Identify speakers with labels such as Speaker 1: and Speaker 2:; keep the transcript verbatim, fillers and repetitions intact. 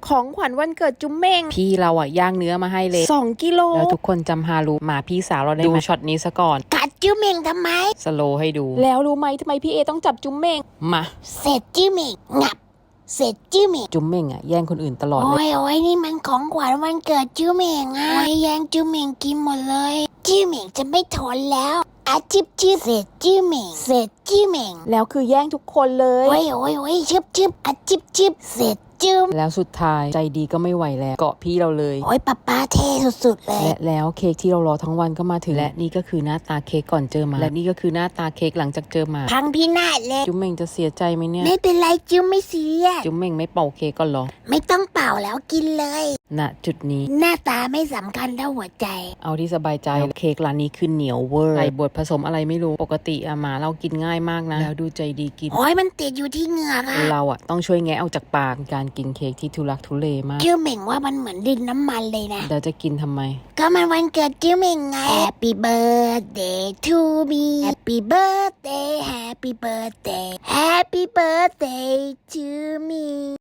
Speaker 1: ของขวัญวันเกิดจุ๊มเม่งพี่เราอ่ะย่างเนื้อมาให้เลยสองกิโลแล้วทุกคนจำฮารุหมาพี่สาวเราได้ดูช็อตนี้ซะก่อน
Speaker 2: กัดจุ๊มเม่งทำไม
Speaker 1: สโลให้ดูแล้วรู้ไหมทำไมพี่เอต้องจับจุ๊มเม่งมา
Speaker 2: เสร็จจุ๊มเม่งงับเสร็จจุ๊มเม่ง
Speaker 1: จุ๊มเม่งอ่ะแย่งคนอื่นตลอดเลย
Speaker 2: โอ้ยโอ้ยนี่มันของขวัญวันเกิดจุ๊มเม่งอ่ะโอ้ยแย่งจุ๊มเม่งกินหมดเลยจุ๊มเม่งจะไม่ทนแล้วอาจิบจิบเสร็จจุ๊มเม่งเสร็จจุ๊มเม่ง
Speaker 1: แล้วคือแย่งทุกคนเลย
Speaker 2: โอ้ยโอ้ยโอ้ยชิบชิบอาจิบจิบเสร็จจุ๊ม
Speaker 1: แล้วสุดท้ายใจดีก็ไม่ไหวแล้วเกาะพี่เราเลย
Speaker 2: โอ้ยป๊าป๊าเท่สุดๆเลย
Speaker 1: และแล้วเค้กที่เรารอทั้งวันก็มาถึงและนี่ก็คือหน้าตาเค้กก่อนเจอหมาและนี่ก็คือหน้าตาเค้กหลังจากเจอหมา
Speaker 2: พังพินาศเลย
Speaker 1: จุ๊มเม่งจะเสียใจไหมเนี่ย
Speaker 2: ไม่เป็นไรจุ๊มไม่เสีย
Speaker 1: จุ๊มเม่งไม่เป่าเค้กก่อนหรอ
Speaker 2: ไม่ต้องเป่าแล้วกินเลย
Speaker 1: ณจุดนี้
Speaker 2: หน้าตาไม่สำคัญเท่าหัวใจ
Speaker 1: เอาที่สบายใจเค้กร้านนี้คือเหนียวเวอร์ใส่บดผสมอะไรไม่รู้ปกติอะหมาเรากินง่ายมากนะแล้วดูใจดีกิน
Speaker 2: โอ้ยมันติดอยู่ที่เหงือกอะ
Speaker 1: เราอะต้องช่วยแงะออกจากปากการกินเค้กที่ทุลักทุเลมาก
Speaker 2: จิ้วเหม่งว่ามันเหมือนดินน้ำมันเลยนะ
Speaker 1: เราจะกินทำไม
Speaker 2: ก็มันวันเกิดจิ้วเหม่งไง Happy birthday to me Happy birthday Happy birthday Happy birthday to me